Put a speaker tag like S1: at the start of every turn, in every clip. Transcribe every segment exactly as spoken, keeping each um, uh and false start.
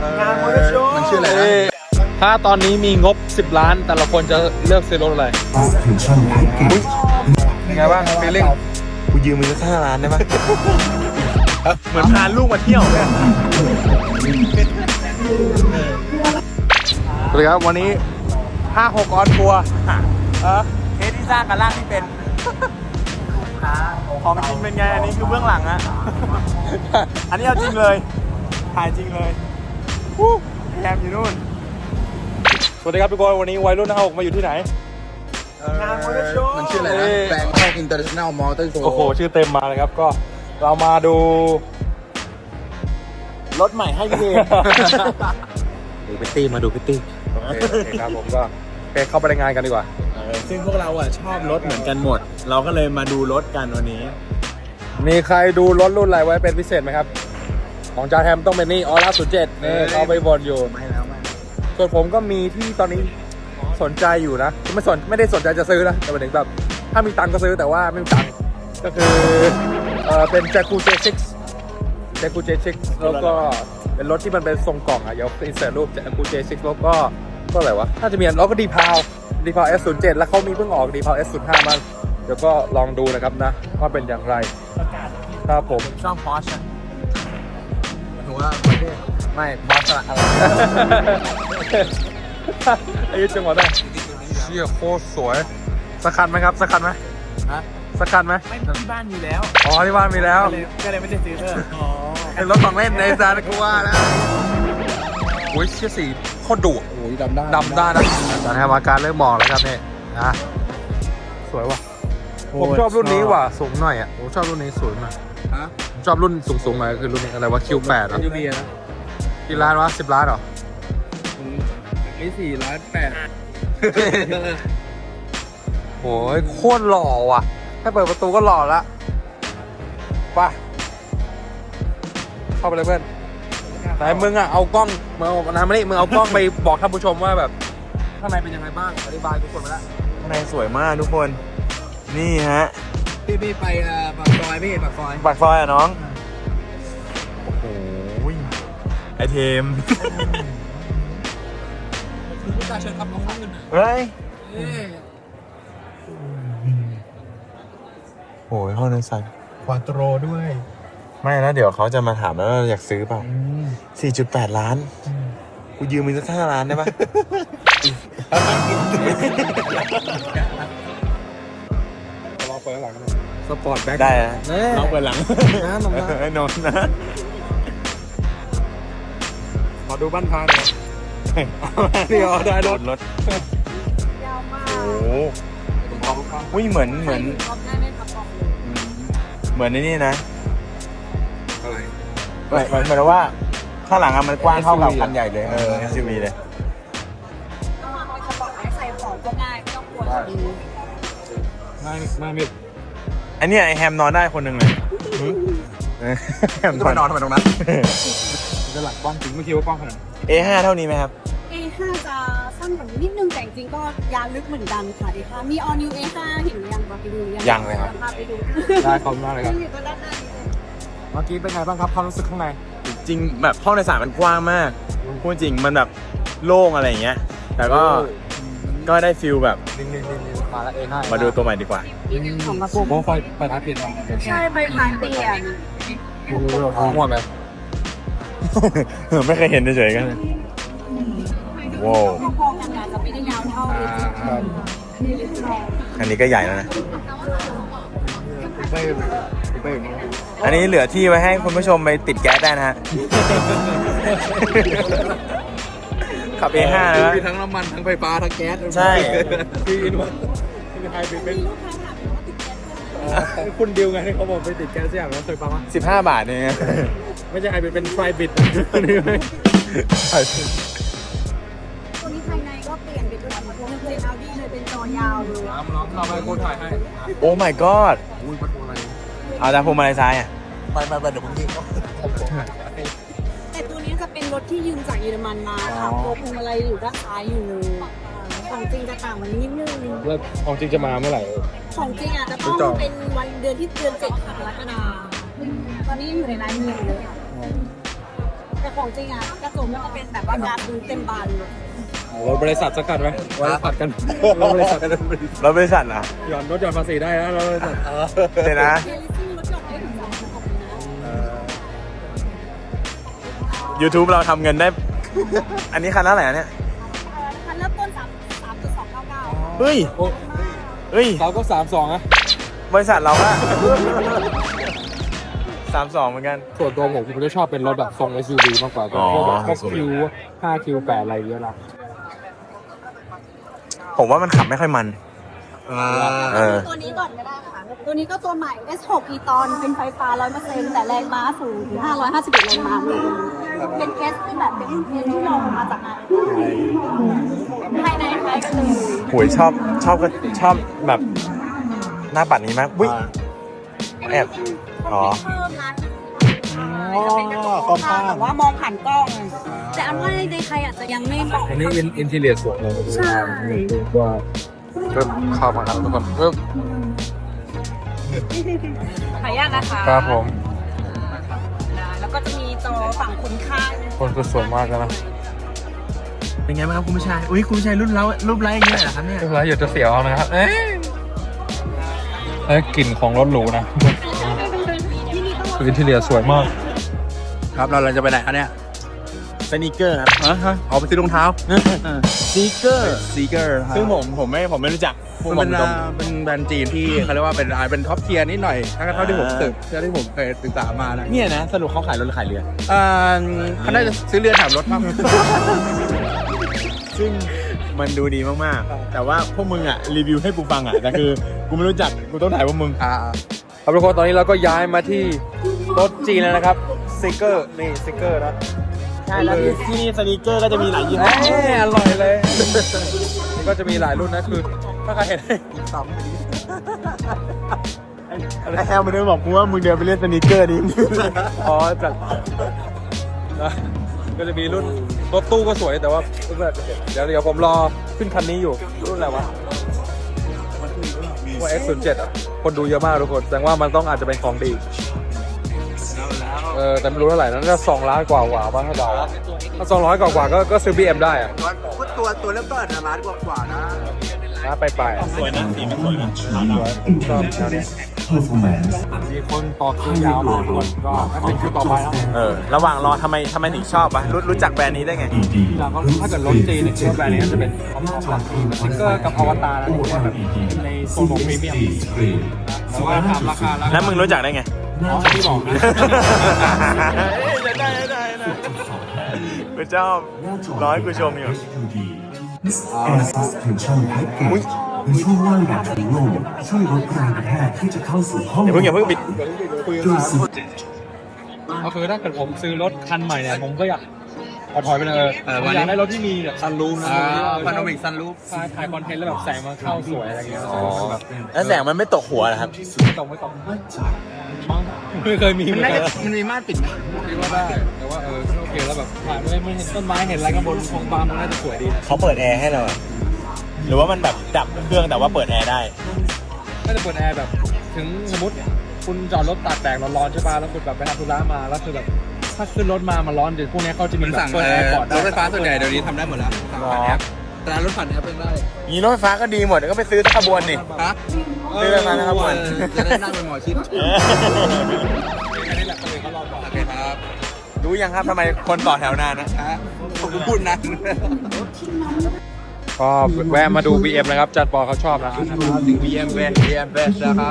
S1: งานมอเตอร์โชว์มันชื่ออะไรนะถ้าตอนนี้มีงบสิบล้านแต่ละคนจะเลือกซื้อรถอะไรไงบ้างฟีลลิ่งกูยืมมึงสักห้าล้านได้ไหมเหมือนพาลูกมาเที่ยวเลยสวัสดีครับวันนี้ห้าหกออนทัวร์เออเทสที่สร้างกันล่างที่เป็นของจริงเป็นไงอันนี้คือเบื้องหลังอะอันนี้เอาจริงเลยถ่ายจริงเลยแคมอยู่นู่นสวัสดีครับทุกคนวันนี้วัยรุ่นห้าหกมาอยู่ที่ไหนงานมอเตอร์โชว์มันชื่ออะไรนะแบงค์อินเตอร์เนชั่นแนลมอเตอร์โชว์โอ้โหชื่อเต็มมาเลยครับก็เรามาดูรถใหม่ให้พี่เองดูพิตตี้มาดูพิตตี้โอเคครับผมก็ไปเข้าไปในงานกันดีกว่าซึ่งพวกเราอ่ะชอบรถเหมือนกันหมดเราก็เลยมาดูรถกันวันนี้มีใครดูรถรุ่นอะไรไว้เป็นพิเศษไหมครับของจาแฮมต้องเป็นนี่ออร่าศูนย์เจ็ดนี่เอาไปบนอยู่ไม่แล้วไม่ส่วนผมก็มีที่ตอนนี้สนใจอยู่นะไม่สนไม่ได้สนใจจะซื้อนะแต่หมายถึงแบบถ้ามีตังก็ซื้อแต่ว่าไม่มีตังก็คือเออเป็น Jaguar เจ ซิกซ์ Jaguar เจ ซิกซ์ แล้วก็เป็นรถที่มันเป็นทรงกล่องอ่ะเดี๋ยวอินเสิร์ตรูป Jaguar เจ ซิกซ์ แล้วก็ก็อะไรวะน่าจะมีแล้วก็ดีพาวดีพาว เอส ศูนย์เจ็ด แล้วเขามีเพิ่งออกดีพาว เอส ศูนย์ห้า มาเดี๋ยวก็ลองดูนะครับนะว่าเป็นอย่างไรครับผมชอบพอร์ชถือว่าไม่พอร์ชอะไรไอ้จังหวะได้เชี่ยโคตรสวยสักคันไหมครับสักคันไหมฮะสักคันไหมไม่ที่บ้านมีแล้วอ๋อที่บ้านมีแล้วก็เลยไม่ได้ซื้อเพิ่มอ๋อเป็นรถของเล่นในซานกูว่าแล้วโอ้ยเชี่ยสีโคตรดุโอ้ยดำได้ดำได้นะตอนนี้อาการเริ่มมองแล้วครับนี่นะสวยว่ะผมชอบรุ่นนี้ว่ะสูงหน่อยอ่ะผมชอบรุ่นนี้สวยมากฮะชอบรุ่นสูงๆหน่อยคือรุ่นนี้อะไรวะ คิว แปด อ่ะกี่ล้านวะสิบล้านหรอนี่สี่ล้านแปดโอ้ยโคตรหล่อว่ะแค่เปิดประตูก็หล่อละไปเข้าไปเลยเพื่อนไหนมึงอ่ะเอากล้องมึงเอาน้ำมานี่มึงเอากล้องไปบอกท่านผู้ชมว่าแบบข้างในเป็นยังไงบ้างอธิบายทุกคนมาแล้วข้างในสวยมากทุกคนนี่ฮะพี่พี่ไปปากซอยพี่ปากซอยปากซอยอ่ะน้องโอ้โหไอเทมผู้ชายเชิญครับน้องข้างขึ้นเฮ้ยโอ้ยห้องนั้นสั่นควาโตรด้วยไม่แล้วเดี๋ยวเขาจะมาถามแล้วอยากซื้อเปล่า สี่จุดแปด ล้านกูยืมมึงสักห้าล้านได้ปะลองเปิดหลังสปอร์ตแบ็คได้นะลองเปิดหลังนะนมนะไอ้นนนะขอดูบ้านพาหน่อยเดี๋ยวได้รถรถยาวมากโอ้โหอุ้ยเหมือนเหมือนเหมือนในนี่นะอะไรเหมือนเหมือนว่าข้างหลังอะมันกว้างเท่ากับคันใหญ่เลยเออ เอส ยู วี เลย
S2: ก็วางไว้กระเป๋าใส่ของก็ง่ายไม่ต้องกลัว
S1: ไม่ไม่ไม่
S2: อั
S1: นนี้ไอแฮมนอนได้คนหนึ่งเลยแฮมนอนทำไมตรงนั้นจะหลักกว้างจริงไม่คิดว่ากว้างขนาด เอ ห้า เท่านี้ไหมครับ
S2: เอ ห้า จะสั้นกว่านิดนึงแต่จริงก็ยาวลึกเหมือนกันค่ะ เอ ห้า มี all new เอ ห้า เห็นหรือยังไปดูยัง
S1: ยังเลยครับ
S2: ไปดู
S1: ได้ขอบคุณมากเลยครับ
S2: อยู่ตรงด้านหน้านี้เลย
S1: เมื่อกี้เป็นไงบ้างครับความรู้สึกข้างใน
S3: จริงแบบห้องโดยสารมันกว้างมากพูดจริงมันแบบโล่งอะไรอย่างเงี้ยแต่ก็ก็ได้ฟิลแบบ
S1: มาแล้ว เอ ห้า
S3: มาดูตัวใหม่ดีกว่า
S2: ของกระปุก
S1: โอ้ไฟไฟท้ายเปลี่ยน
S2: ใช่ไฟท้ายเปลี่ยน
S1: โอ้โหเราหัวแบบ
S3: ไม่เคยเห็นเฉยๆกันว้าว
S2: พอๆกันจะไม่ได้ยาวเท่า
S3: อันนี้ก็ใหญ่แล้วนะอันนี้เหลือที่ไว้ให้คุณผู้ชมไปติดแก๊สได้นะฮะขับ เอ ห้า นะ
S1: มีทั้งน้ำมันทั้งไฟฟ้าทั้งแก๊ส
S3: ใช่
S1: พี่อินว่าพี่ไฮเป็นเป็นคุณดิวไงที่เขาบอกไปติดแก๊สอย่างนั้นเคยฟังมั้ย
S3: สิบห้าบาทเนี่ย
S1: ไม่ใช่ไฮเป็นเป็นไฟบิด
S2: ตัวนี้ภายในก็เปลี่ยนเป็นแบบพวกเป็น Audi เลยเป็นจอยาวเลย
S1: น้ำน้องเข้าไปกูถ่ายให้
S3: โอ้ my god
S1: อุ้ยประตูอะไร
S3: เอาจากพวงมาลัยซ้ายอ่ะ
S1: ไปไปไปเดี๋ยวผมยืม
S2: แต่ตัวนี้จะเป็นรถที่ยืมจากเยอรมันมาค่ะตัวพวงมาลัยอยู่ด้านซ้ายอยู่เลยของจริงจะต่างมันนิดนึง
S1: แล้วของจริงจะมาเมื่อไหร่
S2: ของจริงอาจจะต้องเป็นวันเดือนที่เดือนเจ็ดกรกฎาคมตอนนี้อยู่ในร้านเมียเลยแต่แต่ของจริงอ่ะกระจกมันจะเป็นแบบว่าการดูเต็มบานเลย
S1: รถบริษัทสักกันไหมไว้ผัดกันรถบริษัทกัน
S3: รถบริษัทอ่ะ
S1: หย่อนรถหย่อนภาษีได้นะรถบริษัท
S3: เดี๋ยวนะ
S2: เรียลลิตี้รถยนต์ได้ถึงสองพันกว่าปีนะ
S3: YouTube เราทำเงินได้ อันนี้คันละเท่าไหร่อะเนี่ย
S2: คันเริ่มต้นสามสามจุดสองเก้าเก้า
S3: เฮ้ย
S1: โอ้
S3: เฮ้ย
S1: เราก็สามสองอะ
S3: บริษัทเราอะสามสองเหมือนกัน
S1: ส่วนตัวผมผมจะชอบเป็นรถแบบทรง เอส ยู วี มากกว่า
S3: อ๋อ
S1: พวกแบบพวกคิวห้าคิวแปดอะไรเยอะละ
S3: ผมว่ามันขับไม่ค่อยมัน เออ
S2: ตัวนี้ก่อนก็ได้ค่ะ ตัวนี้ก็ตัวใหม่ เอส หก e ตอนเป็นไฟฟ้า ร้อยเปอร์เซ็นต์ แต่แรงม้าสูงถึงห้าร้อยห้าสิบเอ็ดแรงม้าเลยเป็นเคสที่แบบเป็นเคสที่ลองมาจากไหนภายในคล้ายกันเลย
S3: โหยชอบชอบชอบแบบหน้าปัดนี้มากอุ้ย แอบอ๋อ
S2: เพิ่มนะจะเป็นกระจกมองข้างแต่ว่ามองผ่านกล้อง แต่อันว่าในไทยอาจจะยังไม่บอก
S1: อันนี้อินทีเรียสวยเลย
S2: ใช่
S1: ว่าเริ่มเข้ามาครับทุกคนเริ่ม
S2: ขออนุญาตนะคะ
S1: ครับผม
S2: แล้วก็จะมีจอฝั่งคนข้าง
S1: คนคือสวยมากแล้วนะ
S3: เป็นไงบ้างครับคุณผู้ชาย อุ้ยคุณผู้ชายรุ่นเรารูปไร้อย่างเงี้ยเหรอครับเนี่ย
S1: เวลาอยากจะเสียวเอานะครับ เอ๊ะเอ้ยกลิ่นของรถหรูนะ
S2: ที่นี่ต้อง
S1: คืออินทีเรียสวยมาก
S4: ครับเราเราจะไปไหนคะเนี่ย
S3: สนีกเกอร์ครับ
S4: ฮะฮะออกไปซื้อรองเท้า
S3: สนีกเกอร์
S4: ซีเกอร์
S3: ซึ่งผมผมไม่ผมไม่รู้จัก
S4: มันเป็น
S3: ผม
S4: อ่าเป็นแบรนด์จีนที่เขาเรียกว่าเป็นอ่าเป็นท็อปเทียร์นิดหน่อยถ้าเท่าที่ผมศึกเท่าที่ผมเคยศึกษามานะ
S3: เนี่ยนะ สรุปเขาขายรถหรือขายเรือ
S4: อ่าเขาน่าจะซื้อเรือแถมรถมาก
S3: ซึ่งมันดูดีมากๆ แต่ว่าพวกมึงอ่ะรีวิวให้กูฟังอ่ะ แต่คือกูไม่รู้จัก กูต้องถ่ายพวกมึง
S4: อ่า
S1: ครับทุกคนตอนนี้เราก็ย้ายมาที่รถจีนแล้วนะครับสติกเกอร์นี่สติกเกอร์นะ
S3: ใช่แล้วที่ที่นี่สนีกเกอร์ก็จะมีหลายยี่ห้อ
S1: เอ้ยอร่อยเลยนี่ก็จะมีหลายรุ่นนะคือถ้าใครเห็น
S4: ซ้
S3: ไอ้แฮมมันเดินบอกกูว่ามึงเดินไปเล่นสนีกเกอร์ดิ
S1: อ๋อจัดนะก็จะมีรุ่นรถตู้ก็สวยแต่ว่ารุ่นแบบเดี๋ยวเดี๋ยวผมรอขึ้นคันนี้อยู่รุ่นอะไรวะว่า เอ็กซ์ ศูนย์ เจ็ด อ่ะคนดูเยอะมากทุกคนแสดงว่ามันต้องอาจจะเป็นของดีเออแต่ไม่รู้เท่าไหร่นะน่าจะสองล้านกว่ากว่าบ้างถ้าเดาถ้าสองร้อยกว่ากว่าก็ก็ซื้อ บี เอ็ม ได้อะ
S4: ำตัวตัวเริ่มต้นอาจจะล้านกว่าๆนะ
S1: นะไปไป
S3: สวยนะสีมันสวยนะ
S1: ชอบแนวนี้มีคนต่อคิวยาวมากทุกคนก็เป็นคิวต่อไปแล้ว
S3: เออ ระหว่างรอทำไมทำไมถึงชอบวะรู้รู้จักแบรนด์นี้ได้ไง
S1: แล้วก็ถ้าเกิดรถจีนเนี่ยคิดว่าแบรนด์นี้จะเป็นท็อปท็อปหลักสติ๊กเกอร์กับอวตารนะที่ว่าแบบในโซนของพรีเมียมแต่ว่าถามราคาแล้ว
S3: แล้วมึงรู้จักได้ไง
S1: อ๋อที่บอกนะ
S3: ได้ได้ได้ได้กูชอบร้อยกูชมอยู่
S5: แอร์ซัสเทนชั่นแพ็กเกจมีช่วงล่างแบบถุงลมช่วยลดแรงกระแทกที่จะเข้าสู่ห้อง
S3: อย่าเพิ่งอย่าเพิ่งปิด
S5: ด้วยซิ
S1: ก็คือถ้าเกิดผมซื้อรถคันใหม่เนี่ยผมก็อยากเอาถอยไปเลย
S4: เออ
S1: ผม
S4: วัน
S1: อ
S4: นี้
S1: ยากได้รถที่มีแบบซันรูฟนะ
S4: อ่าพาโนมิกซันรูฟ
S1: ถ่ายถ่ายคอนเทนต์แล้วแบบแสงมันเข้าสวยอะไรเงี้ย
S3: อ๋อ แล้วแสงมันไม่ตกหัวเหรอครับ
S1: ไม่ตรงไม่ตรงมั้งไม่เคยมีเห
S4: มั
S1: มือน น
S4: น่า
S1: กั
S4: จะ
S1: น
S4: มันมีม่านปิดไหม
S1: คิดว่าได้แต่ว่าเออโอเคแล้วแบบถ่ายไม่ไม่เห็นต้นไม้เห็นอะไรข้างบนของบาร์มันน่าจะสวยดี
S3: เขาเปิดแอร์ให้เราอะหรือว่ามันแบบดับเครื่องแต่ว่าเปิดแอร์ได้
S1: น่าจะเปิดแอร์แบบถึงสมมติคุณจอดรถตากแดดร้อนๆใช่ป่ะแล้วคุณแบบไปทำธุระมาแล้วคือแบบถ้าขึ้นรถมามันร้อนเดี๋ยวพวกนี้เขาจะมี
S4: มัน
S1: แบบ
S4: สั่ง
S1: เปิด
S4: เอ
S1: แอ
S4: อ
S1: ร์ก่อน
S4: รถไฟฟ้าส่วนใหญ่เดี๋ยวนี้ทำได้หมดแล้วสั่งผ่านแอปแต่ร้านรถผ่านแอปเป็นได้
S3: งี้รถไฟฟ้าก็ดีหมดก็ไปซื้อสักขบวนดิ
S4: ฮะ
S3: ซื้อราคานะครับ
S4: เอ
S3: ผม
S4: อจะได้นั่งเป็นหมอชิด
S1: อันนี้แหละคนอื่นเขารอก่อน
S4: โอเคครับ
S3: รู้ยังครับทำไมคนต่อแถวนานนะ
S4: ฮะผมพูดนาน
S1: ก็แวะมาดู บี เอ็ม นะครับจัดปอเขาชอบนะ
S4: ถึง บี เอ็ม เวส บี เอ็ม เวสนะครับ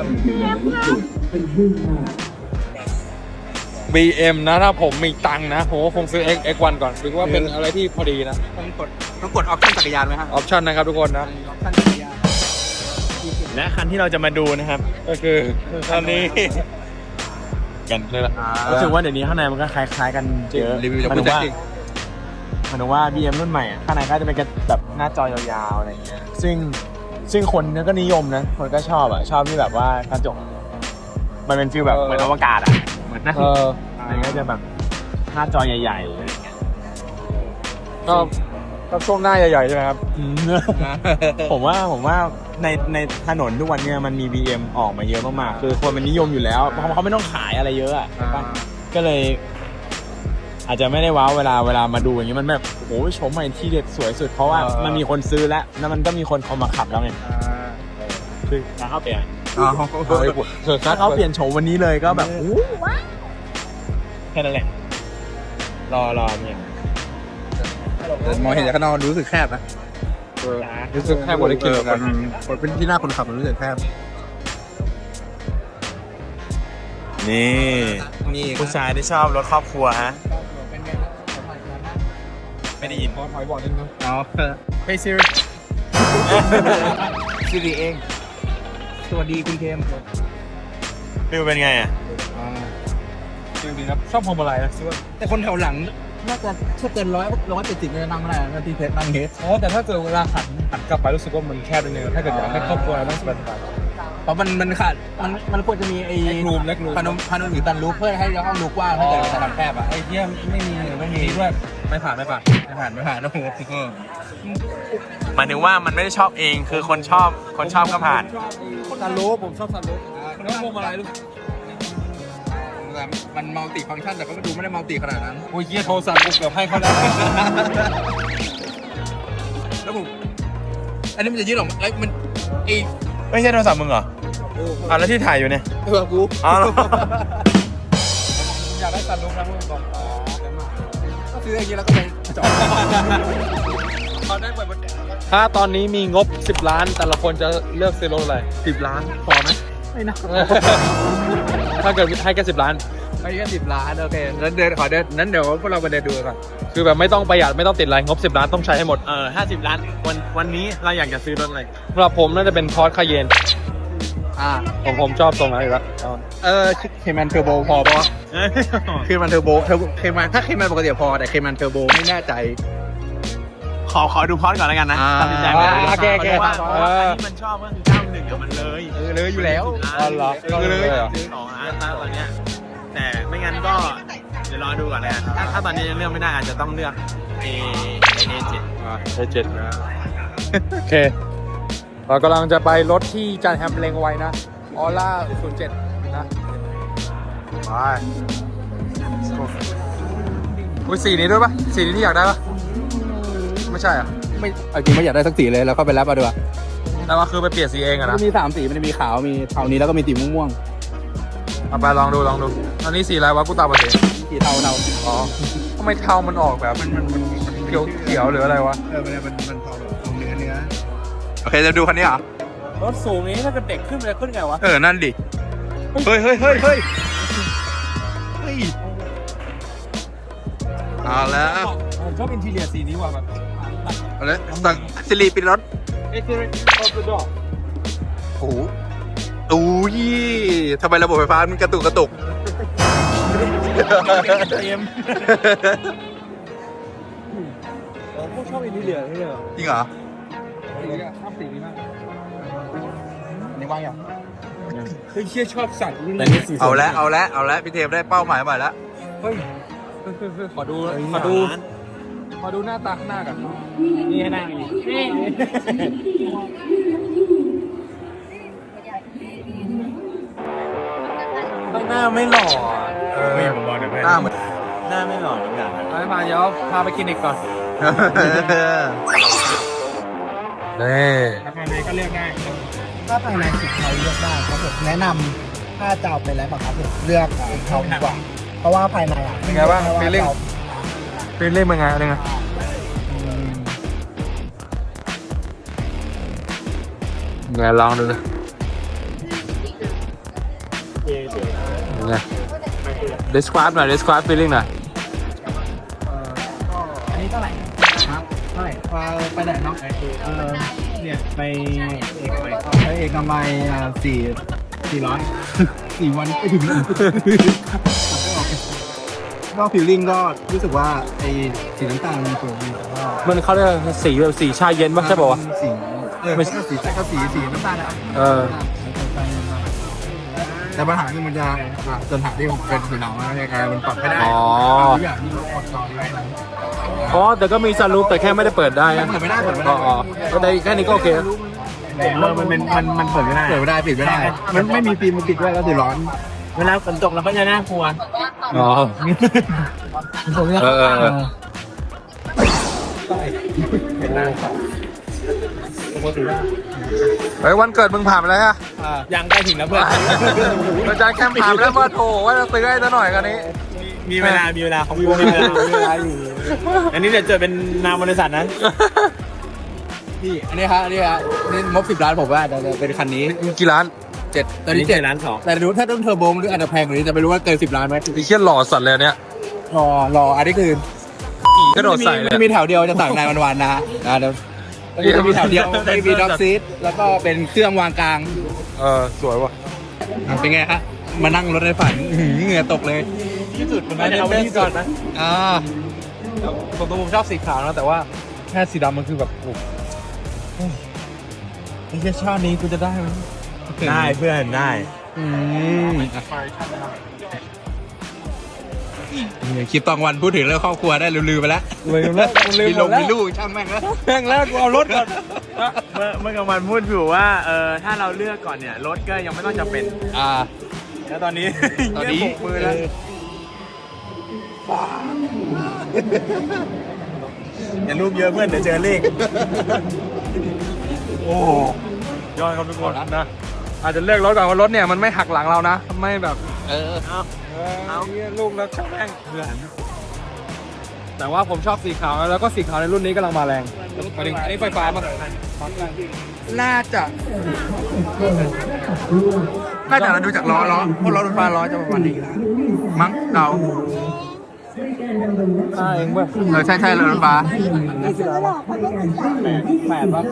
S1: บี เอ็ม นะถ้าผมมีตังค์นะผมก็คงซื้อ X เอ็กซ์ วัน ก่อนถือว่าเป็นอะไรที่พอดีนะ
S4: ต้องกดต้องกดออปชั่นจักรยานไหมครับ
S1: ออปชั่นนะครับทุกคนนะ
S4: ออปชั่นจักรยาน
S3: และคันที่เราจะมาดูนะครับ
S1: ก็คืออันนี้
S3: กัน
S1: นี่แหละ
S3: รู้สึกว่าเดี๋ยวนี้ข้างในมันก็คล้ายๆกันเยอะ
S4: รีวิวจาก
S3: หมาย
S4: คุ
S3: ถึ
S4: ณ
S3: ง
S4: แจ็ค
S3: ว่า
S4: จริง
S3: หมายถึงว่า บี เอ็ม รุ่นใหม่อะข้างในก็จะเป็นแบบหน้าจอยาวๆอะไรอย่างเงี้ยซึ่งซึ่งคนก็นิยมนะคนก็ชอบอ่ะชอบที่แบบว่ากระจกมันเป็นฟีลแบบเหมือนอวกาศอ่ะเหมือนนั่ง
S1: เออ
S3: มันก็จะแบบหน้าจอใหญ่ๆอะไรอย่างเงี้ย
S1: ชอบชอบช่วงหน้าใหญ่ๆใช่ไหมครับ
S3: อืม ผมว่าผมว่าในในถนนทุกวันเนี้ยมันมี บี เอ็ม ออกมาเยอะมากๆคือคนมันนิยมอยู่แล้วเพราะเขาไม่ต้องขายอะไรเยอะอ่ะ
S1: อ่า
S3: ก็เลยอาจจะไม่ได้ว้าวเวลาเวลามาดูอย่างเงี้ยมันแบบโอ้โหโฉมใหม่ที่เด็ดสวยสุดเพราะว่ามันมีคนซื้อแล้วแล้วมันก็มีคนเอามาขับแล้วไงคือถ้าเขาเปลี่ยน
S4: อ๋อ
S3: ถ้าเขาเปลี่ยนโฉมวันนี้เลยก็แบบโอ้แค่นั้นแหละรอรอเนี่ย
S4: มองเห็นจากข้างนอกรู้สึกแคบนะ
S1: รู้สึกแค่บริกิน
S4: มันมันเป็นที่หน้าคนขับมันรู้สึกแคบ
S3: นี่นี่ผู้ชายที่ชอบรถครอบครัวฮะไม่ได้ยิน
S1: ขอถอยบอกนิดนึง
S4: อ๋อ
S3: เฮ้ยซิริ
S4: ซีรีเองสวัสดีคุณเคม
S3: ฟิลเป็นไงอ่ะ
S1: จริงๆครับชอบพวงมาลัยนะซิว่า
S4: แต่คนแถวหลังน่าจะถ้าเกินร้อยร้อยเจ็ดสิบจะนั่งไม่ได้นะที่เพชรนั่งเฮด
S1: อ๋อแต่ถ้าเกิดเวลาหันหันกลับไปรู้สึกว่ามันแคบนิดนึงถ้าเกิดอยากให้ครอบครัวนั่งสบาย
S4: เพราะมันมันขาดมันมันควรจะมีไอ้
S1: เล็กรูมเล็กรูม
S4: พานมพานมหรือตันรูปเพื่อให้ห้องดูกว้างถ้าเกิดสถานแคบอ่ะ
S1: ไอ้เยี่ยมไม่มีไม่มีด้วยไม่ผ่านไม่ผ่าน
S4: ไม่ผ่านไม่ผ่านนะโอ้โห
S3: หมายถึงว่ามันไม่ได้ชอบเองคือคนชอบคนชอบก็ผ่าน
S1: ซันรูฟผมชอบซันรูฟแล้วพวงมาลัยรู้
S4: มันมัลติฟังก์ชันแต่ก็ดูไม่ได้มัลติขนาดนั้น
S1: โอ้ยเยี่ยโทรศัพท์กูเกือบให้เขาแล้ว
S4: แล้วผมอันนี้มันจะยืดออกมาเอ้ยมันไอ
S3: ไม่ใช่โทรศัพท์มึงเหรออ่ะแล้วที่ถ่ายอยู่เนี่ย
S4: เออกู
S3: อ๋อ
S1: อยากได้ซันรูฟนะพวกมึงบอกอ๋อ
S4: ก็ซื้ออย่างนี้แล้วก็ไปจอดเขาได้เปิดบน
S1: ถ้าตอนนี้มีงบสิบล้านแต่ละคนจะเลือกซื้อรถอะไรสิบล้านพอไหม
S4: ไม่นะ
S1: ถ้าเกิดให้แค่สิบล้าน
S4: ไปแค่สิบล้านโอเคนั้นเดินขอเดินนั้นเดี๋ยวพวกเราไปเดินดูก่อน
S1: คือแบบไม่ต้องประหยัดไม่ต้องติดอะไรงบสิบล้านต้องใช้ให้หมด
S3: เออห้าสิบล้านวันวันนี้เราอยากจะซื้อรถอะไร
S1: สำหรับผมน่าจะเป็นพอร์ตคาเยน
S4: อ่า
S1: ผมผมชอบตรงนั้นอยู่แล้ว
S4: เออเคมันเทอร์โบพอปะเคมันเทอร์โบเทอร์เคมันถ้าเคมันปกติพอแต่เคมันเทอร์โบไม่แน่ใจ
S3: ขอขอดูพอร์ตก่อนแล้วกันนะ
S4: อ่า
S3: ตัดสินใจไม่ได้
S1: โอเคโอเค
S3: พราะว่าเพราะว่าอันนี้มันชอบก็คือเก้าหนึ่งอะมันเลย
S4: เออเลยอยู่แล้ว
S1: อ๋อเหรอ
S4: เออเลย
S3: สองล้านตอนเนี้ยแต่ไม่งั้นก็เดี๋ยวรอดูก่อนเลยกันถ้าถ้าตอนนี้ยังเลือกไม่ได้อาจจะต้องเลือก A A เจ็ด
S1: เอเจ็ดโอเค เรากำลังจะไปรถที่จานแฮมเลงไว้นะออร่าศูนย์เจ็ดนะไปอุ้ยสีนี้ด้วยปะสีนี้ที่อยากได้ปะไม่ใช่อ่ะ
S4: ไม่เอาจริงไม่อยากได้สักสีเลยแล้วก็ไปแรปเอาดีกว่า
S1: แต่ว่าคือไปเปลี่ยนสีเองอะ
S4: มั
S1: นะ
S4: นมีสามสีมันจะมีขาวมีเทานี้แล้วก็มีสีม่วง
S1: เอาไปลองดูลองดูอันนี้สีอะไรวะกูตาบอดสี
S4: ๆสีเทาเทา
S1: อ๋อทำไมเทามันออกแบบมันมันมันเขียวเขียวหรืออะไรวะ
S4: เออมันมันมันเทาแบบเนื้อเนื้อโอเคจะดูคันนี้เหรอ
S1: รถสูงนี้ถ้าเกิดเด็กขึ้นจะขึ้นไงวะ
S4: เออนั่นดิเฮ้ยเฮ้ยเฮ้ยเฮ้ยเฮ้ยเอาแล้ว
S1: ผมชอบอินทีเรียสีนี้ว่ะแบบ
S4: เอาแล้วสั่งซิลีปิดรถ
S1: เอ็กซ์เทอร์ออฟเดอะดอ
S4: โอ้โหอู้ยทำไมระบบไฟฟ้ามันกระตุกกระตุก
S1: เต็มผมชอบอินทีเรียนี่เลย
S4: จริงเหรอ
S1: ชอบสีนี้มาก
S4: นี่ว่างยัง
S1: เฮ้ยเชี่ยชอบสัตว์
S3: แต่นี่สี
S4: เอาแล้วเอาแล้วเอาแล้วพี่เทมได้เป้าหมายใหม่แล้ว
S1: เฮ้ยขอดูขอดูขอดูหน้าตาข้างหน้ากัน
S3: นี่ให้นั่งนี่
S1: ข้างหน้าไม่หล่อเออ
S3: ไม่ผมบอกนะเพื่อน
S4: หน้าเหมือน
S3: หน้าไม่หล่อเหมือนกันนะ
S1: ไปมาเดี๋ยวพาไปกินอีกก่อนนี่
S3: ภายในก็เลือกได้
S6: ถ้าภายในสีเทาเลือกได้ครับผมแนะนำถ้าจะเอาไปแล้วครับผมเลือกสีเทาดีกว่า เพราะว่าภายในอ่ะ
S1: เป็นไงบ้างฟีลลิ่งฟีลลิ่งเป็นไงอะไรไงไงลองดูเลยไง describe หน่อย describe feeling หน่อย
S6: อันนี้เท่าไหร่ครับเท่าไหร่พาไปไหนเนาะเออเนี่ยไปเอกมัยไปเอกมัยอ่าสี่สี่ร้อยสี่วันไปถึงก็ฟิลลิ่งก็รู้สึกว่าไอ้สีน้ำตาลมันสวยดีแต่ว่า
S1: มันเขาเรียกสีแบบสีชาเย็นป่ะใช่ป่าวะ
S6: สีเออไม่ใช่สีใช่ก็สีสีน้ำตาลอะ
S1: เออ
S6: แต่ปัญหาคือมันจะจนหาที่ผมเป็นสีหนาวยังไงมันปรับไม่ได้
S1: อ๋อ
S6: ทุกอย่างที่เราอดต่อได้นะ
S1: อ๋อแต่ก็มีซันรูฟแต่แค่ไม่ได้เปิดได้นะ
S6: เปิดไม่ได้เปิดไม่ได้
S1: อ๋อก็ได้แค่นี้ก็โอเค
S6: เออมันเป็นมันมันเปิดไม่ได้เปิดไม่ได้ปิดไม่ได้ มันไม่มีฟิล์มมันปิดด้วยแล้วสีร้อน
S3: เวลาฝนตกเราก็จะน่ากลัว
S1: อ๋อ
S6: ผมเนี่ย
S1: เออเออเออ เฮ้ยวันเกิดมึงผ่านไปแล้วฮะ
S3: ยังใกล้ถึงแล้วเพื่อน
S1: อาจารย์แคมผ่านไปแล้วมาโถว่าจะซื้อให้ซะหน่อยกันนี้
S3: มีเวลา มีเวลาเขามีเวลามีเวลาอยู่อันนี้เดี๋ยวเจอเป็นนามบริษัทนะ
S4: พี่อันนี้ครับอันนี้ครับนี่งบสิบล้านผมว่าจะเป็นคันนี้
S1: กี่ล้าน
S4: เจ็ดตอนนี้เจ็ด
S3: ล้านสอง
S4: แต่รู้ถ้าต้องเทอร์โบหรืออาจจะแพงกว่านี้จะไม่รู้ว่าเกินสิบล้านไหม
S1: ไอ้เชี่ยหล่อสัตว์เลยเนี่ย
S4: รอรออันนี้คือ
S1: กระโดดใส่เลย
S4: มันมีแถวเดียวจะสั่งนายวันๆนะฮะอ่าเดี๋ยวมันมีแถวเดียวไม่มีด็อกซีทแล้วก็เป็นเครื่องวางกลาง
S1: เออสวยว่ะ
S4: เป็นไงฮะมานั่งรถในฝันอื้อหือเหงื่อตกเลย
S3: ที่สุดมันเอาไว้ที่ก่อนนะ
S4: อ่า
S1: ผมตัวผมชอบสีขาวนะแต่ว่าแค่สีดำมันคือแบบโอ้โหไอ้เชี่ยชาตินี้กูจะได้ไหม
S3: ได้เพื่อนได้
S4: อืมคลิปตอนวันพูดถึงเรื่องครอบครัวได้ลืมๆไปแล้ว
S1: ลืมแล้วลืม
S4: มี
S1: ห
S4: ล
S1: ม
S4: ง
S1: ดแล้ว
S4: มีลูกช่างแม่งแล้ว
S1: แม่งแล้วกูเอารถก่อน
S3: เมื่อเมื่อกลางวันพูดอยู่ว่าเออถ้าเราเลือกก่อนเนี่ยรถก็ยังไม่ต้องจำเป็น
S4: อ่า
S3: แล้วตอนนี้
S4: ตอนนี้
S3: เงียบปกมือแล้วอย่ารูปเยอะเพื่อนเดี๋ยวเจอเลข
S1: โอ้ยอดครับทุกคนนะอาจจะเลือกรถก่อนว่ารถเนี่ยมันไม่หักหลังเรานะไม่แบบ
S4: เออ
S3: เอาเอา
S1: เนี่ยลูกแล้วช่างแม่งเพื่อนแต่ว่าผมชอบสีขาวแล้วก็สีขาวในรุ่นนี้กำลังมาแรงหมายถึงอันนี้ไฟฟ้ามั้ง
S4: น่าจะ น่าจะเราดูจากล้อล้อเพราะล้อรถไฟล้อจะประมาณนี้มั้งเดา
S1: ใช่เองเว้ย
S4: เออใช่ใช่รถไฟฟ้า
S1: แปดป่ะ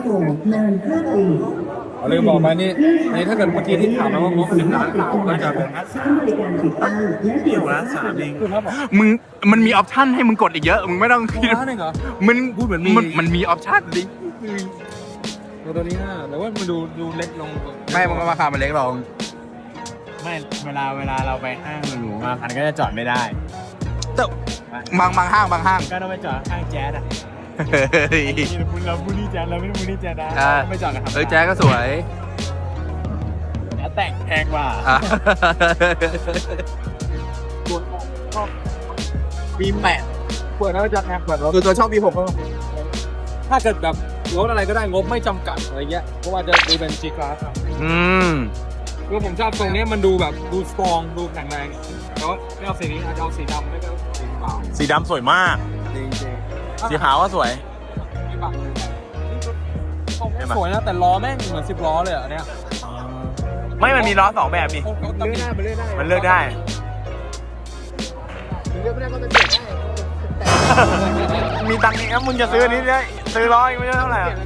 S1: ลืมบอกไปนี่อันนี้ถ้าเกิดเมื่อกี้ที่ถามมาว่างบสิบล้านก็จะเป็น
S3: เดี่ยวละสามเอง
S4: มึงมันมีออปชั่นให้มึงกดอีกเยอะ มึงไม่ต้องคิด
S1: ล้านเองเหรอ
S4: มัน
S1: พูดเหมือนมี
S4: มันมันมีออปชั่นดิ
S1: ตัวนี้น่าแต่ว่ามันดูดูเล็กลง
S4: ไม่มันก็ราคามันเล็กลง
S3: ไม่เวลาเวลาเราไปห้างหรูๆมาคันก็จะจอดไม่ได้
S4: แต่บางบางห้างบางห้าง
S3: ก็ต้องไปจอดข้างแจ๊สอ่ะ
S4: เฮ้ย
S3: นี่เราพูดนี่แจ๊สเราไม่ได้พูดนี่แจ๊สนะ
S4: อ่า
S3: ไม่จอดนะครับ
S4: เออแจ๊สก็สวย
S3: แจ๊สแต่งแพงกว่า
S4: อ่ะ
S3: บีแปด
S1: เปิดแล้วจะแอบเปิดรถ
S4: คือตัวชอบบีหก
S1: ถ้าเกิดแบบรถอะไรก็ได้งบไม่จำกัดอะไรเงี้ยเพราะว่าจะดูเป็น G Class ครับ
S4: อืม
S1: คือผมชอบตรงนี้มันดูแบบดูสตรองดูแข็งแรงแต่ว่าไม่เอาสีนี้อาจจะเอาสีดำไม่ก็สีขาว
S3: สีดำสวยมาก
S1: จริงจริง
S3: สีขาวก็สวย
S1: ไม่บังสวยนะแต่ล้อแม่งเหมือนสิบล้อเลยอ่ะเนี่ย
S3: ไม่มันมีล้อสองแบบนี่
S1: เขาตำหนิ
S3: มันเลือกได้ มีตังค์นี่ครับมึงจะซื้ออันนี้ได้ซื้อล้ออีกไม่ใช่เท่าไหร่อะ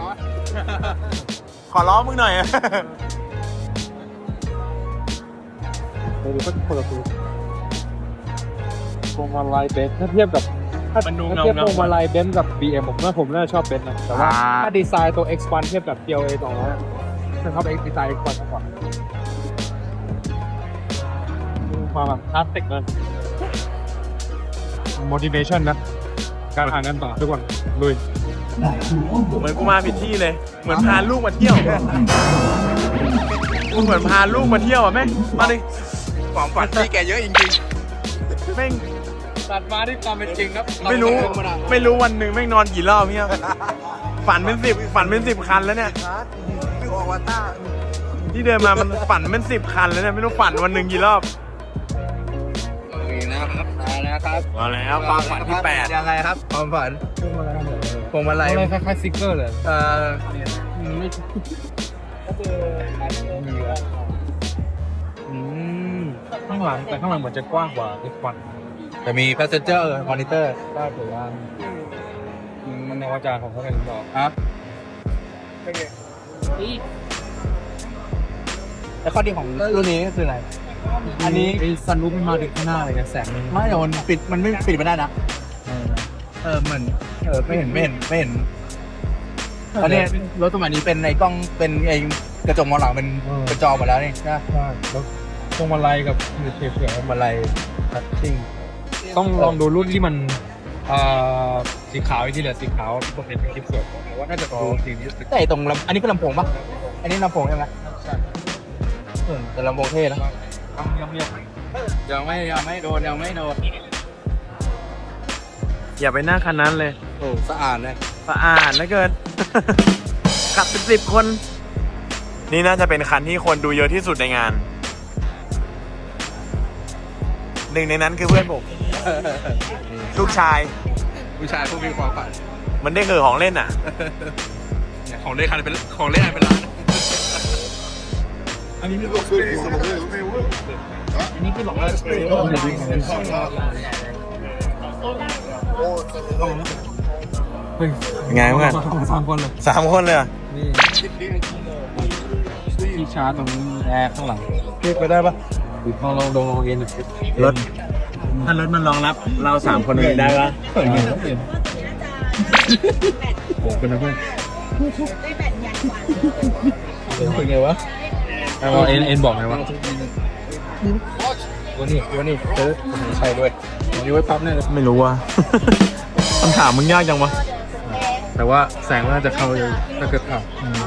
S3: ขอล้อมึงหน่อยอะ
S1: ดูก็คนละตัวพวงมาลัยเบนซ์ถ้าเทียบกับถ้า
S3: มันดู
S1: ถ้า
S3: เงา
S1: เทียบ
S3: เงา
S1: พวงมาลัยเบนซ์กับ บี เอ็ม ผมว่าผมน่าชอบเบนซ์นะแต่ว่า
S4: อ่า
S1: ถ้าดีไซน์ตัว เอ็กซ์ วัน เทียบกับ จี แอล เอ สองร้อยฉันชอบดีไซน์ เอ็กซ์ วันมากกว่าความแบบคลาสสิกเลย motivation นะ การอ่านกันต่อทุกคนลุย
S3: เหมือนกูมาผิดที่เลย เหมือนพาลูกมาเที่ยวกูเหมือนพาลูกมาเที่ยวอ่ะแม่งมาดิ
S4: ความฝันที่แกเยอะจริง
S3: แม่ง
S1: ตัดมาที่ความเป็นจริงครับ
S3: ไม่รู้ไม่รู้วันหนึ่งแม่งนอนกี่รอบเนี่ยฝันเป็นสิบฝันเป็นสิบคันแล้วเนี่ย
S4: ๆพี่ออกวาต้า
S3: ที่เดินมามันฝันเป็นสิบคันแล้วเนี่ยไม่รู้ฝันวันหนึ่งกี่รอบ
S4: นะครับมาแล้วครับ
S3: มาแล้วความฝันที่แปด
S4: ยังไงครับความฝันพวงมาลัย
S1: อะไรคล้ายๆซิกเกอร์เลย
S4: เอ่อ
S1: ไม่อืมข้างหลังแต่ข้างหลังเหมือนจะกว้างกว่าอีกฝั่ง
S4: จะมี passenger monitor
S1: ก็ถือว่ามันในวาจาของเขาเป็นบอก
S4: ครับแล้วข้อดีของรุ่นนี้ก็คืออะไร
S1: อันนี้ไอ้ซันรูปมันมาถึงข้างหน้าเลยนะแสงมัน
S4: ไม่แต่มันปิดมันไม่ปิดไม่ได้นะ เออเหมือนเออไม่เห็นไม่เห็นไม่เห็นตอนนี้รถสมัยนี้เป็นในกล้องเป็นไอ้กระจกมองหลังเป็นเป็นจอหมดแล้วนี่นะ
S1: ใช่แล้วตรงมาลัยกับเฉียบ
S4: พวงมาลัยทัชชิ่ง
S1: ๆต้องลองดูรุ่นที่มันเอ่อสีขาวอีกที่เหลือสีขาวปกติเป็นคลิปสวยแต่ว่าน่าจะดูสีนี้สึก
S4: แต่ไอ้ตรงลำอันนี้ก็ลำโพงปะอันนี้ลำโพงใช่ไหม
S1: ใช่
S4: เออแต่ลำโพงเท่นะ
S1: ต้องเงียบ
S4: ยังไม่ยังไม่โดนยังไม่โดน
S3: อย่าไปนั่งคันนั้นเลย
S4: โอ้สะอาดเลย
S3: สะอาดเหลือเกิน ขับเป็นสิบคน นี่น่าจะเป็นคันที่คนดูเยอะที่สุดในงาน หนึ่งในนั้นคือเพื่อนผม ลูกชาย
S4: ผู้ชายผู้มีความฝัน
S3: มันได้คือของเล่นอ่ะ
S4: เนี่ยของเล่นคันเป็นของเล่นเป็นล้านอันนี้คือบอกเลยอันนี้คือบอกว่า
S3: ไงเพื่อน
S6: สามคนเลย
S3: สามคนเลยเหรอ
S6: นี่ที่ชาร์จตรงนี้แอร์ข้างหลังเรียกไปได้ปะลองลองลองลองเอ็น
S3: รถ ถ้ารถมันรองรับ เราสามคนเลยได้ปะ
S6: เปิดเงินเปลี่ยนโอ้เป็นอะไรเพื่อนเป็นไงวะเอาเอ็นเอ็นบอกไงวะวันนี้วันนี้เจอใช่ด้วยวันนี้ไว้ปั๊บเนี่ย
S3: ไม่รู้ว่ะ คำถามมึงยากจังวะ
S6: แต่ว่าแสงน่าจะเข้าเลยถ้าเกิดอ่ะ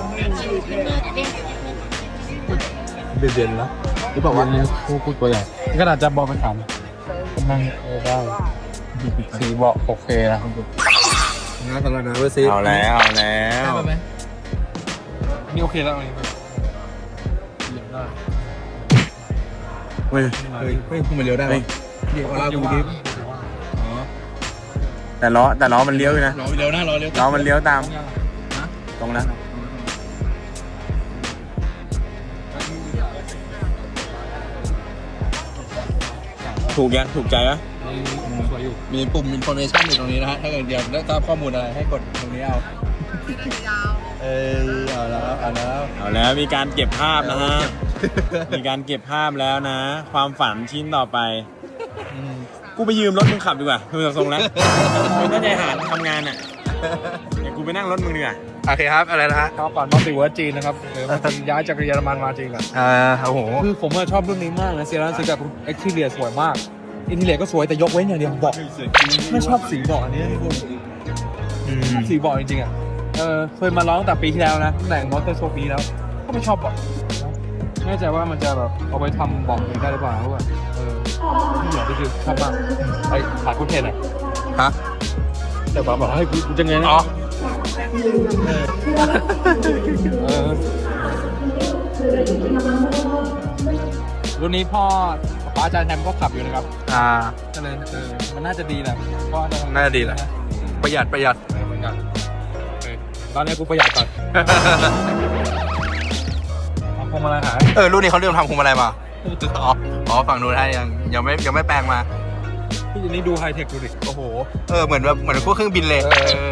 S6: เด่นๆแล้วหรือเปล่าวะคู่คู่ตัวใหญ่ก็อาจจะบอกไปถามนั่งได้สีเบาะโอเคนะคุณงานสำหรับนะเวอร์ซี
S3: เอาแล้วเอาแล้ว
S6: นี่โอเคแล้วอันนี้ได้
S3: เฮ้ย
S4: เฮ้ยเฮ้ยคุณมาเร็วได้ไหมเดี๋ยวเราดูดิ
S3: แต่ล้อแต่ล้อมันเลี้ยวอยู่นะ
S4: รอเร็วนะรอเร็ว
S3: ล้อมันเลี้ยวตาม ตรงนั้นถูกยังถูกใจปะ
S6: สวยอยู่
S4: มีปุ่ม information อยู่ตรงนี้นะฮะถ้าเกิดเดี๋ยวได้ทราบข้อมูลอะไรให้กดตรงนี้เอาเออเอาแล้วเอาแล้ว
S3: เอาแล้วมีการเก็บภาพนะฮะ มีการเก็บภาพแล้วนะ ความฝันชิ้นต่อไป กูไปยืมรถมึงขับดีกว่าดูจากทรงแล้วมึงตั้งใจหาทำงานอ่ะเดี๋ยวกูไปนั่งรถมึงดีกว่า
S4: โอเคครับอะไรนะฮะ
S6: ข้าวปั่นมัลติเวิร์สจีนนะครับเออมันย้ายจากเยอรมันมาจริงอ่ะ
S4: อ่าโอ้โห
S6: คือผมชอบรุ่นนี้มากนะเซียร่าซื้อกับเอ็กซ์ทีเรียสวยมากอินทีเรียก็สวยแต่ยกเว้นอย่างเดียวเบาะไม่ชอบสีเบาะอันนี้คุณสีเบาะจริงๆอ่ะเออเคยมาร้องแต่ปีที่แล้วนะแต่งมอเตอร์โชว์ปีแล้วก็ไม่ชอบเบาะไม่แน่ใจว่ามันจะแบบเอาไปทำเบาะเองได้หรือเปล่าเพราะว่าเออที่เหลือก็คือชอบมากไอ้ขาดคุณเทนอ่ะ
S4: ฮะ
S6: แต่บอกบอกให้กูกูจะไงนะ
S4: อ๋อ
S6: เออรุ่นนี้พ่อป้าอาจารย์แฮมก็ขับอยู่นะครับ
S4: อ่า
S6: ก็เลยเออมันน่าจะดีแหละเพราะ
S4: น่าจะดีแหละ ประหยัดประหยัด
S6: เออเหมือนกันเออตอนนี้กูประหยัดก่อนทำพวงมาลัยหาย
S4: เออรุ่นนี้เขาเริ่มทำพวงมาลัยมาอ๋ออ๋อฝั่งนู้นให้ยังยังไม่ยังไม่แปลงมา
S6: พี่อันนี้ดูไฮเทคดูดิโอ้โห
S4: เออเหมือนแบบเหมือนพวกเครื่องบินเลย
S6: เออ
S4: เออ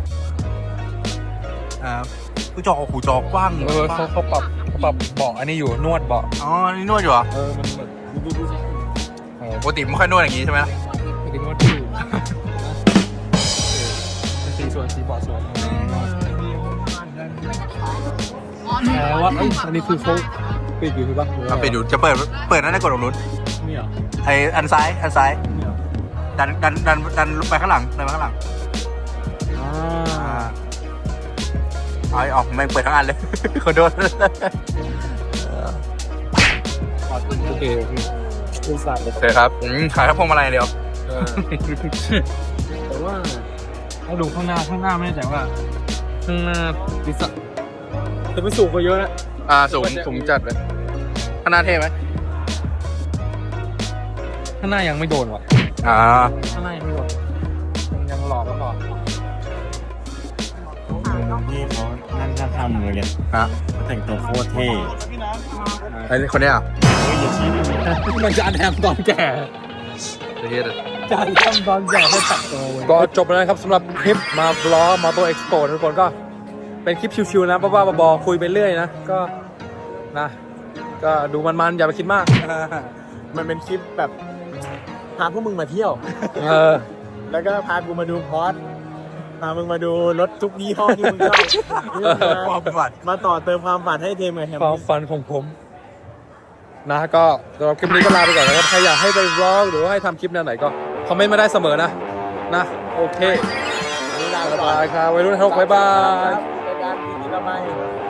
S4: อ่าผู้จอหูจอกว้าง
S6: เออเขาเขาปรับเขาปรับเบาะอันนี้อยู่นวดเบาะ
S4: อ๋อนี่นวดอยู่เหรอ
S6: เออมันแบบดูดูดูสิเออ
S4: ปกติไม่ค่อยนวดอย่างนี้ใช่ไหม
S6: ไม่ได้นวดที่อยู่สีสวยสีเบาะสวยแต่ว่าเอ้ยอันนี้คือเขาปิดอยู่ใช่ปะ
S4: เอาไปดูจะเปิดเปิดนั่นได้กดตรงนู้น
S6: นี่เหรอ
S4: ไออันซ้ายอันซ้าย
S6: นี่เหรอ
S4: ดันดันดันดันไปข้างหลังดันไปข้างหลัง
S6: อ่า
S4: อ่าเอาออกไม่เปิดทั้งอันเลย ขอโทษ
S6: โอเคดูสัตว์เลย
S4: โอเคครับอืมขายแค่พวงมาลัยอย่างเดียว
S6: เออแต่ว่าถ้าดูข้างหน้าข้างหน้าไม่แน่ใจว่าข้างหน้าดิสแต่มันสูงกว่าเยอะนะ
S4: อ่าสูงสูงจัดเลยข้างหน้าเท่ไหม
S6: ข้างหน้ายังไม่โดนว่ะ
S4: อ่า
S6: ข้างหน้ายังไม่โดนยังยังหล่อแล้วหล่อ
S3: นี่เขานั่งข้างทำเลยเนี่ย
S4: ฮะ
S3: แต่งตัวโคตรเท่
S4: ไอคนเนี้ยอ่ะ
S3: เฮ้ยอย่าชี้ดิ
S6: มันจะอันแฮมตอนแก่
S4: เท่เลย
S6: จะอันแฮมตอนแก่ให้ตัดตัวก็จบแล้วนะครับสำหรับคลิปมาบล็อกมอเตอร์เอ็กซ์โปทุกคนก็เป็นคลิปชิวๆนะบ้าๆบอๆคุยไปเรื่อยนะก็นะก็ดูมันๆอย่าไปคิดมาก
S3: มันเป็นคลิปแบบพาพวกมึงมาเที่ยว
S6: เออ
S3: แล้วก็พากูมาดูพอร์ตพามึงมาดูรถทุกยี่ห้อที่มึงชอบ
S4: ความฝัน
S3: มาต่อเติมความฝันให้เทมกับแฮม
S6: ความฝันของผมนะก็สำหรับคลิปนี้ก็ลาไปก่อนนะครับใครอยากให้ไปบล็อกหรือว่าให้ทำคลิปแนวไหนก็คอมเมนต์มาได้เสมอนะนะโอเค
S3: นี่ลาไป
S6: บ๊าย
S3: ก่อน
S6: บายครับวัยรุ่นทกบ๊ายบาย
S3: รายการดีๆต่อไป